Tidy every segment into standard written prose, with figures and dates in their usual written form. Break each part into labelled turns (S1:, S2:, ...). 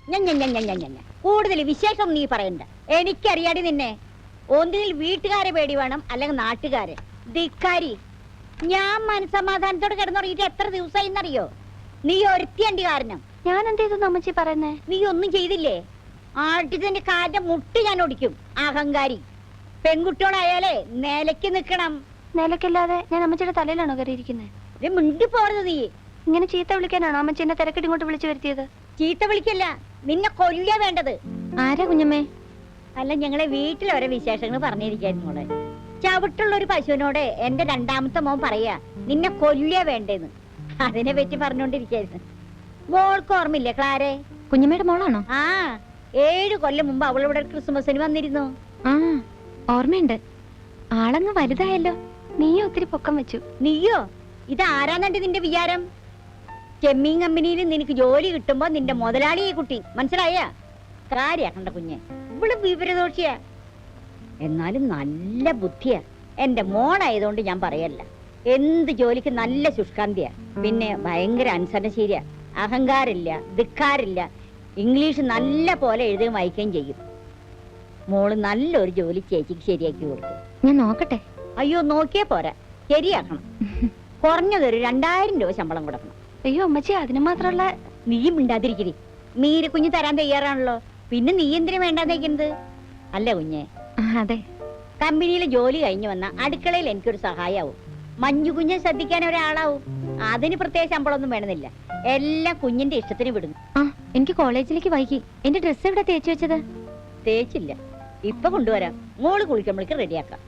S1: കൂടുതൽ വിശേഷം നീ പറയണ്ട. എനിക്കറിയാടി നിന്നെ. ഒന്നിൽ വീട്ടുകാരെ പേടി വേണം, അല്ലെങ്കിൽ നാട്ടുകാരെ. ധിക്കാരി, ഞാൻ മനസമാധാനത്തോടെ കിടന്നുറങ്ങിയിട്ട് എത്ര ദിവസമായിന്നറിയോ? നീ ഒരുത്തിയണ്ടി കാരണം.
S2: ഞാൻ എന്ത് ചെയ്തു അമ്മച്ചി പറയുന്നേ?
S1: നീ ഒന്നും ചെയ്തില്ലേ? ആട്ടിന്റെ കാലിന്റെ മുട്ട് ഞാൻ ഒടിക്കും. അഹങ്കാരി. പെൺകുട്ടികളായാലേ നിലയ്ക്ക് നിക്കണം.
S2: നിലക്കല്ലാതെ ഞാൻ അമ്മച്ചിയുടെ തലയിലാണോ കയറിയിരിക്കുന്നത്?
S1: മിണ്ടി പോறது നീ.
S2: ഇങ്ങനെ ചീത്ത വിളിക്കാനാണോ അമ്മച്ചി എന്നെ തിരക്കിട്ട് ഇങ്ങോട്ട് വിളിച്ചു വരുത്തിയത്?
S1: ചീത്ത വിളിക്കല്ല, നിന്നെ കൊല്ലുക വേണ്ടത്.
S2: ആരാ കുഞ്ഞമ്മേ?
S1: അല്ല, ഞങ്ങളെ വീട്ടിൽ ഓരോ വിശേഷങ്ങൾ പറഞ്ഞിരിക്കായിരുന്നു മോളെ. ചവിട്ടുള്ള ഒരു പശുവിനോട് എന്റെ രണ്ടാമത്തെ മോൻ പറയാ നിന്നെ കൊല്ലുക വേണ്ടേന്ന്. അതിനെ പറ്റി പറഞ്ഞോണ്ടിരിക്കായിരുന്നു. മോൾക്ക് ഓർമ്മയില്ലേ ക്ലാരെ?
S2: കുഞ്ഞമ്മയുടെ മോളാണോ?
S1: ആ, 7 കൊല്ലം മുമ്പ് അവളിവിടെ ക്രിസ്മസിന് വന്നിരുന്നു.
S2: ആ, ഓർമ്മയുണ്ട്. ആളങ്ങ് വലുതായല്ലോ. നീയോ ഒത്തിരി പൊക്കം വെച്ചു.
S1: നീയോ? ഇതാരാന്നുണ്ട് നിന്റെ വിചാരം? ചെമ്മീൻ കമ്പനിയിൽ നിനക്ക് ജോലി കിട്ടുമ്പോ നിന്റെ മുതലാളി ഈ കുട്ടി, മനസ്സിലായ? കാര്യാക്കണ്ട കുഞ്ഞെ, ഇവള് വിവരദോഷിയാ. എന്നാലും നല്ല ബുദ്ധിയാ. എന്റെ മോളായതുകൊണ്ട് ഞാൻ പറയല്ല. എന്ത് ജോലിക്ക് നല്ല ശുഷ്കാന്തിയാ. പിന്നെ ഭയങ്കര അനുസരണശീലിയാ. അഹങ്കാരില്ല, ധിക്കാരില്ല. ഇംഗ്ലീഷ് നല്ല പോലെ എഴുതുകയും വായിക്കുകയും ചെയ്യും. മോള് നല്ലൊരു ജോലി ചേച്ചിക്ക് ശരിയാക്കി കൊടുക്കും.
S2: ഞാൻ നോക്കട്ടെ.
S1: അയ്യോ, നോക്കിയേ പോരാ, ശരിയാക്കണം. കുറഞ്ഞതൊരു 2000 രൂപ ശമ്പളം കൊടുക്കണം.
S2: അയ്യോ അമ്മച്ചി, അതിന് മാത്രമുള്ള.
S1: നീയും മിണ്ടാതിരിക്കരി. മീര കുഞ്ഞ് തരാൻ തയ്യാറാണല്ലോ, പിന്നെ നീ എന്തിനു വേണ്ടാന്നേക്കുന്നത്? അല്ല കുഞ്ഞെ,
S2: അതെ,
S1: കമ്പനിയിലെ ജോലി കഴിഞ്ഞു വന്ന അടുക്കളയിൽ എനിക്കൊരു സഹായാവും. മഞ്ഞു കുഞ്ഞെ ശ്രദ്ധിക്കാൻ ഒരാളാവും. അതിന് പ്രത്യേക ശമ്പളമൊന്നും വേണമെന്നില്ല. എല്ലാം കുഞ്ഞിന്റെ ഇഷ്ടത്തിന് വിടുന്നു.
S2: ആ, എനിക്ക് കോളേജിലേക്ക് വൈകി. എന്റെ ഡ്രസ്സ് എവിടെ തേച്ചു വെച്ചത്?
S1: തേച്ചില്ല, ഇപ്പൊ കൊണ്ടുവരാം. മോള് കുളിക്കുമ്പോഴേക്ക് റെഡിയാക്കാം.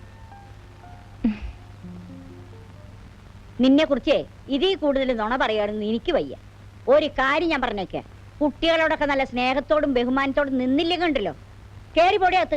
S1: നിന്നെ കുറിച്ചേ ഇതിൽ കൂടുതൽ നുണ പറയാണെന്ന് എനിക്ക് വയ്യ. ഒരു കാര്യം ഞാൻ പറഞ്ഞേക്കെ, കുട്ടികളോടൊക്കെ നല്ല സ്നേഹത്തോടും ബഹുമാനത്തോടും നിന്നില്ലേ കണ്ടല്ലോ. കേറി പോടിയകത്ത്.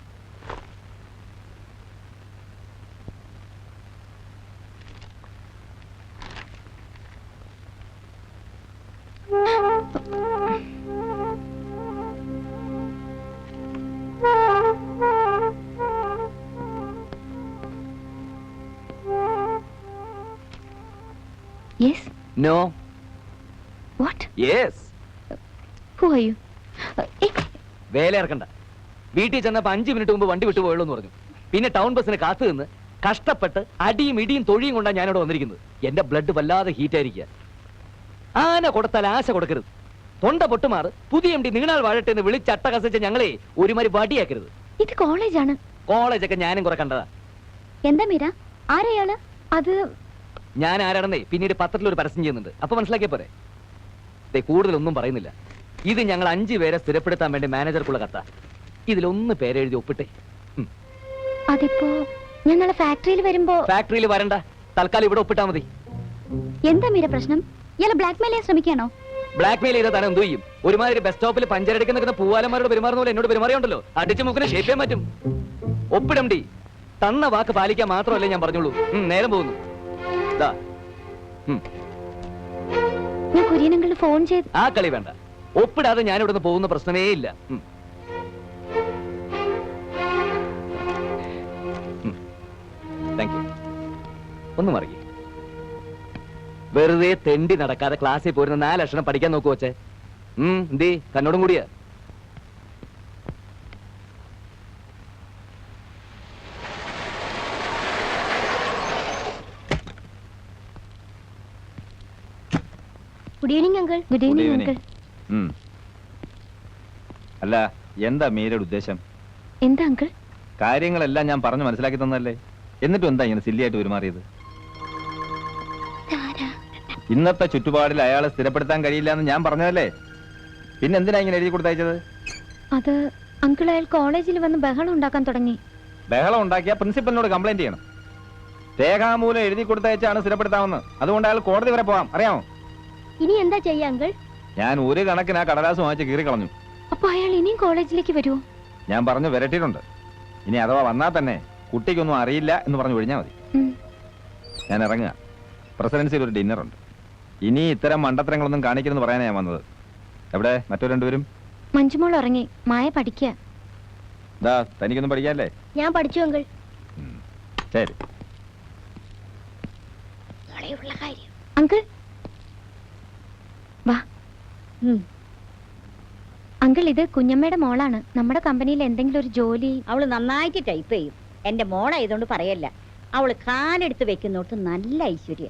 S2: Yes.
S3: No.
S2: What?
S3: Yes.
S2: Who are you?
S3: വേല ഇറക്കണ്ട. വീട്ടിൽ ചെന്നപ്പോ 5 മിനിറ്റ് മുമ്പ് വണ്ടി വിട്ടു പോയുള്ളൂ എന്ന് പറഞ്ഞു. പിന്നെ ടൗൺ ബസ്സിന് കാത്തു നിന്ന് കഷ്ടപ്പെട്ട് അടിയും ഇടിയും തൊഴിയും കൊണ്ടാണ് ഞാനിവിടെ വന്നിരിക്കുന്നത്. എന്റെ ബ്ലഡ് വല്ലാതെ ഹീറ്റ് ആയിരിക്കുക. ആന കൊടുത്താൽ ആശ കൊടുക്കരുത്. തൊണ്ട പൊട്ടുമാറ് പുതിയ MD നീണാൾ വാഴട്ടെ എന്ന് വിളിച്ചട്ടകസിച്ച ഞങ്ങളെ ഒരുമാതിരി വടിയാക്കരുത്.
S2: ഇത് കോളേജാണ്.
S3: കോളേജൊക്കെ ഞാനും കുറെ കണ്ടതാ.
S2: എന്താ മീര, ആരെയാള്? അത്
S3: ഞാൻ ആരാണെന്നേ പിന്നീട് പത്രത്തിൽ ഒരു പരസ്യം ചെയ്യുന്നുണ്ട്, അപ്പൊ മനസ്സിലാക്കിയ പോരെ. കൂടുതലൊന്നും പറയുന്നില്ല. ഇത് ഞങ്ങൾ 5 പേരെ സ്ഥിരപ്പെടുത്താൻ വേണ്ടി മാനേജർക്കുള്ള കത്ത. ഇതിലൊന്ന് പേരെഴുതി ഒപ്പിട്ടെ.
S2: അതിപ്പോ ഞാൻ നാളെ ഫാക്ടറിയിൽ വരുമ്പോ.
S3: ഫാക്ടറിയിൽ വരണ്ട, തൽക്കാലം ഇവിടെ ഒപ്പിട്ടാ മതി.
S2: എന്താ മീര പ്രശ്നം? ഇയാളെ ബ്ലാക്ക്മെയിൽ ചെയ്യാൻ ശ്രമിക്കാണോ?
S3: ബ്ലാക്ക്മെയിൽ ചെയ്താൽ തന്നെ എന്ത് ചെയ്യും? ഒരുമാതിരി ബസ് സ്റ്റോപ്പിൽ പഞ്ചരടിക്കാൻ നിൽക്കുന്ന പൂവാലന്മാരോട് പെരുമാറുന്ന പോലെ എന്നോട് പെരുമാറിയുണ്ടല്ലോ. അടിച്ചു മുക്കിനെ ഷേപ്പ് ചെയ്യാൻ പറ്റും. ഒപ്പിടം ഡി. തന്ന വാക്ക് പാലിക്കാൻ മാത്രമല്ലേ ഞാൻ പറഞ്ഞോളൂ. നേരം പോകുന്നു.
S2: ഞാൻ കുര്യനങ്ങളിൽ ഫോൺ ചെയ്ത്.
S3: ആ കളി വേണ്ട. ഒപ്പിടാതെ ഞാൻ ഇവിടുന്ന് പോകുന്ന പ്രശ്നമേ ഇല്ല. Thank you. ഒന്ന് മറിയേ. വെറുതെ തെണ്ടി നടക്കാതെ ക്ലാസ്സിൽ പോരുന്ന 4 അക്ഷരം പഠിക്കാൻ നോക്കു വച്ചേ. എന്തേ തന്നോടും കൂടിയാ.
S2: Good evening uncle. Good evening uncle.
S4: അല്ല, എന്താ മീരയുടെ ഉദ്ദേശം?
S2: എന്താ അങ്കിൾ?
S4: കാര്യങ്ങളെല്ലാം ഞാൻ പറഞ്ഞു മനസ്സിലാക്കി തന്നല്ലേ, എന്നിട്ടും എന്താ ഇങ്ങനെ സില്ലിയായിട്ട് പെരുമാറിയത്? ഇന്നത്തെ ചുറ്റുപാടിൽ അയാളെ സ്ഥിരപ്പെടുത്താൻ കഴിയില്ല എന്ന് ഞാൻ പറഞ്ഞതല്ലേ, പിന്നെ എന്തിനാ ഇങ്ങനെ എഴുതി കൊടുത്തയച്ചത്?
S2: അത് അങ്കിൾ, അയാൾ കോളേജിൽ വന്ന് ബഹളം ഉണ്ടാക്കാൻ തുടങ്ങി.
S4: ബഹളം ഉണ്ടാക്കിയ പ്രിൻസിപ്പലിനോട് കംപ്ലൈന്റ് ചെയ്യണം. രേഖാമൂലം എഴുതി കൊടുത്തയച്ചാണ് സ്ഥിരപ്പെടുത്താമെന്ന്. അതുകൊണ്ട് അയാൾ കോടതി വരെ പോവാം, അറിയാമോ?
S2: ഇനി എന്താ ചെയ്യാ അങ്കിൾ?
S4: ഞാൻ ഒരു കണക്കിന് ആ കടലാസ് വാങ്ങിച്ച് കീറി കളഞ്ഞു.
S2: അപ്പൊ അയാൾ ഇനിയും കോളേജിലേക്ക് വരുമോ?
S4: ഞാൻ പറഞ്ഞു വരട്ടിയിട്ടുണ്ട്. ഇനി അഥവാ വന്നാൽ തന്നെ കുട്ടിക്കൊന്നും അറിയില്ല എന്ന് പറഞ്ഞു ഒഴിഞ്ഞാൽ മതി. ഞാൻ ഇറങ്ങുക. പ്രസിഡൻസിയിൽ ഒരു ഡിന്നർ ഉണ്ട്. ഇനി ഇത്തരം മണ്ടത്തരങ്ങളൊന്നും കാണിക്കണമെന്ന് പറയാനാണ് ഞാൻ വന്നത്. എവിടെ മറ്റു രണ്ടുപേരും?
S2: മഞ്ജുമോൾ ഉറങ്ങി, മായ പഠിക്കുക.
S4: തനിക്കൊന്നും പഠിക്കാല്ലേ?
S2: ഞാൻ പഠിച്ചു അങ്കിൾ.
S4: ശരി
S2: അങ്കിൾ വാ. അങ്കിൾ ഇത് കുഞ്ഞമ്മയുടെ മോളാണ്. നമ്മുടെ കമ്പനിയിൽ എന്തെങ്കിലും ഒരു ജോലി.
S1: അവള് നന്നായിട്ട് ടൈപ്പ് ചെയ്യും. എന്റെ മോളായതുകൊണ്ട് പറയല്ല. അവള് കാലെടുത്ത് വെക്കുന്നോട്ട് നല്ല ഐശ്വര്യ.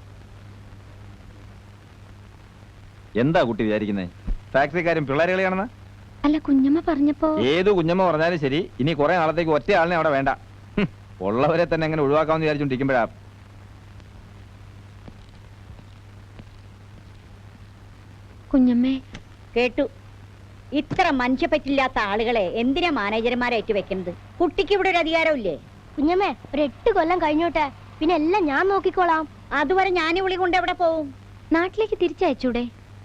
S4: എന്താ കുട്ടി വിചാരിക്കുന്നേ? ഫാക്ടറിക്കാരും പിള്ളേരുകളെയാണെന്ന്?
S2: അല്ല, കുഞ്ഞമ്മ പറഞ്ഞപ്പോ.
S4: ഏത് കുഞ്ഞമ്മ പറഞ്ഞാലും ശരി, ഇനി കുറെ നാളത്തേക്ക് ഒറ്റ ആളിനെ അവിടെ വേണ്ട. ഉള്ളവരെ തന്നെ എങ്ങനെ ഒഴിവാക്കാമെന്ന് വിചാരിച്ചോണ്ടിരിക്കുമ്പോഴാ.
S2: കുഞ്ഞമ്മേ,
S1: കേട്ടു. ഇത്ര മനുഷ്യപ്പറ്റില്ലാത്ത ആളുകളെ എന്തിനാ മാനേജർമാരായിട്ട് വെക്കുന്നത്? കുട്ടിക്ക് ഇവിടെ ഒരു അധികാരമില്ലേ?
S5: കുഞ്ഞമ്മേ, ഒരു 8 കൊല്ലം കഴിഞ്ഞോട്ടെ, പിന്നെ എല്ലാം ഞാൻ നോക്കിക്കോളാം.
S1: അതുവരെ ഞാൻ വിളി കൊണ്ട് എവിടെ പോവും?
S2: നാട്ടിലേക്ക് തിരിച്ചയച്ചൂടെ?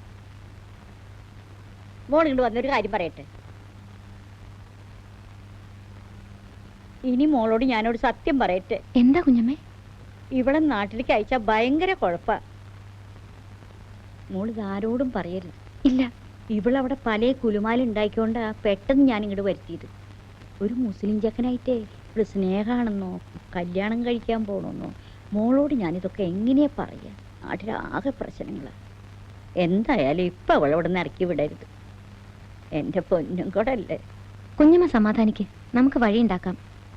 S1: മോൾ ഇങ്ങോട്ട് വന്നൊരു കാര്യം പറയട്ടെ. ഇനി മോളോട് ഞാനോട് സത്യം പറയട്ടെ.
S2: എന്താ കുഞ്ഞമ്മേ?
S1: ഇവിടെ നാട്ടിലേക്ക് അയച്ചാ ഭയങ്കര കുഴപ്പാ. മോൾ ഇതാരോടും പറയരുത്.
S2: ഇല്ല.
S1: ഇവളവിടെ പല കുലുമാലുണ്ടായിക്കൊണ്ടാ പെട്ടെന്ന് ഞാൻ ഇങ്ങോട്ട് വരുത്തിയത്. ഒരു മുസ്ലിം ചെക്കനായിട്ടേ ഇവിടെ സ്നേഹമാണെന്നോ കല്യാണം കഴിക്കാൻ പോകണമെന്നോ മോളോട് ഞാനിതൊക്കെ എങ്ങനെയാ പറയാ? നാട്ടിലാകെ പ്രശ്നങ്ങളാ. എന്തായാലും ഇപ്പൊ അവളെ ഇവിടെ നിന്ന് ഇറക്കി വിടരുത്. എന്റെ പൊന്നും കൂടെ അല്ലേ.
S2: കുഞ്ഞമ്മ സമാധാനിക്ക്, നമുക്ക് വഴിയുണ്ടാക്കാം.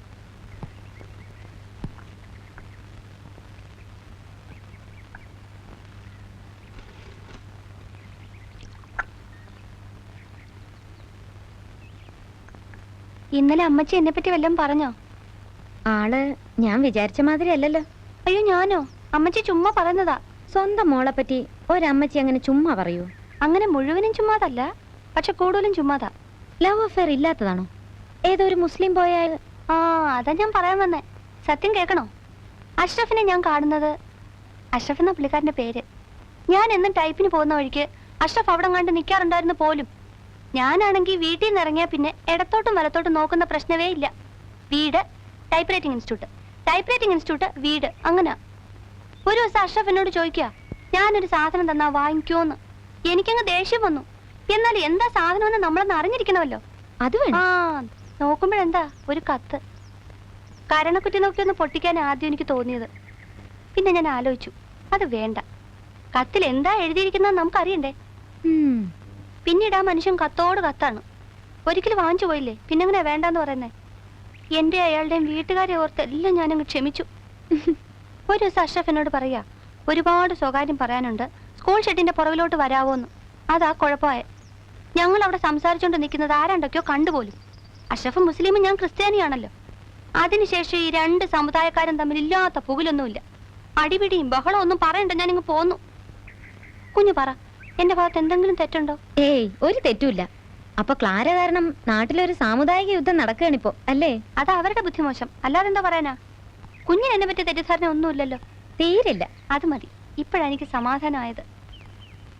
S5: ഇന്നലെ അമ്മച്ചി എന്നെ പറ്റി വല്ലതും പറഞ്ഞോ?
S2: ആള് ഞാൻ വിചാരിച്ച മാതിരി അല്ലല്ലോ.
S5: അയ്യോ, ഞാനോ? അമ്മച്ചി ചുമ്മാ പറയുന്നതാ.
S2: സ്വന്തം മോളെ പറ്റി ഒരമ്മച്ചി അങ്ങനെ ചുമ്മാ പറയൂ?
S5: അങ്ങനെ മുഴുവനും ചുമ്മാതല്ല, പക്ഷെ കൂടുതലും ചുമ്മാതാ.
S2: Love affair ഇല്ലാത്തതാണോ? ഏതോ ഒരു മുസ്ലിം പോയാൽ?
S5: ആ, അതാ ഞാൻ പറയാൻ വന്നേ. സത്യം കേൾക്കണോ? അഷ്റഫിനെ ഞാൻ കാണുന്നത്, അഷ്റഫ് എന്ന പുള്ളിക്കാരന്റെ പേര്. ഞാൻ എന്നും ടൈപ്പിന് പോകുന്ന വഴിക്ക് അഷ്റഫ് അവിടെ കണ്ട് നിൽക്കാറുണ്ടായിരുന്നു പോലും. ഞാനാണെങ്കിൽ വീട്ടിൽ നിന്ന് ഇറങ്ങിയാൽ പിന്നെ ഇടത്തോട്ടും വലത്തോട്ടും നോക്കുന്ന പ്രശ്നമേ ഇല്ല. വീട്, type writing institute, type writing institute, വീട്, അങ്ങനെ. ഒരു ദിവസം അഷ്റഫ് എന്നോട് ചോദിക്കുക, ഞാനൊരു സാധനം തന്നാ വാങ്ങിക്കോന്ന്. എനിക്കങ്ങ് ദേഷ്യം വന്നു. എന്നാൽ എന്താ സാധനമെന്ന് നമ്മളൊന്ന് അറിഞ്ഞിരിക്കണമല്ലോ.
S2: അത് വേണം.
S5: ആ, നോക്കുമ്പോഴെന്താ ഒരു കത്ത്. കരണക്കുറ്റി നോക്കിയൊന്ന് പൊട്ടിക്കാൻ ആദ്യം എനിക്ക് തോന്നിയത്. പിന്നെ ഞാൻ ആലോചിച്ചു, അത് വേണ്ട. കത്തിൽ എന്താ എഴുതിയിരിക്കുന്നത് നമുക്കറിയണ്ടേ.
S2: ഉം.
S5: പിന്നീട് ആ മനുഷ്യൻ കത്തോട് കത്താണ്. ഒരിക്കലും വാങ്ങിച്ചു പോയില്ലേ, പിന്നെങ്ങനെ വേണ്ടാന്ന് പറയുന്നേ. എന്റെ അയാളുടെയും വീട്ടുകാരെ ഓർത്ത് എല്ലാം ഞാനങ്ങ് ക്ഷമിച്ചു. ഒരു ദിവസം അഷ്റഫ് എന്നോട് പറയാ, ഒരുപാട് സ്വകാര്യം പറയാനുണ്ട്, സ്കൂൾ ഷെഡിന്റെ പുറകിലോട്ട് വരാവോന്ന്. അതാ കുഴപ്പമായ. ഞങ്ങൾ അവിടെ സംസാരിച്ചുകൊണ്ട് നിൽക്കുന്നത് ആരാണ്ടൊക്കെയോ കണ്ടുപോലും. അഷ്റഫ് മുസ്ലിമും ഞാൻ ക്രിസ്ത്യാനിയാണല്ലോ. അതിനുശേഷം ഈ 2 സമുദായക്കാരും തമ്മിൽ ഇല്ലാത്ത പുകിലൊന്നുമില്ല. അടിപിടിയും ബഹളം ഒന്നും പറയണ്ട, ഞാനിങ്ങ് പോന്നു. കുഞ്ഞു പറ, എന്റെ ഭാഗത്ത് എന്തെങ്കിലും തെറ്റുണ്ടോ?
S2: ഏയ്, ഒരു തെറ്റുമില്ല. അപ്പൊ ക്ലാര കാരണം നാട്ടിലൊരു സാമുദായിക യുദ്ധം നടക്കുകയാണിപ്പോ, അല്ലേ?
S5: അത് അവരുടെ ബുദ്ധിമോശം, അല്ലാതെ എന്താ പറയാനാ? കുഞ്ഞിന് എന്നെ പറ്റിയ തെറ്റിദ്ധാരണ ഒന്നുമില്ലല്ലോ.
S2: തീരില്ല.
S5: അത് മതി, ഇപ്പോഴെനിക്ക് സമാധാനമായത്.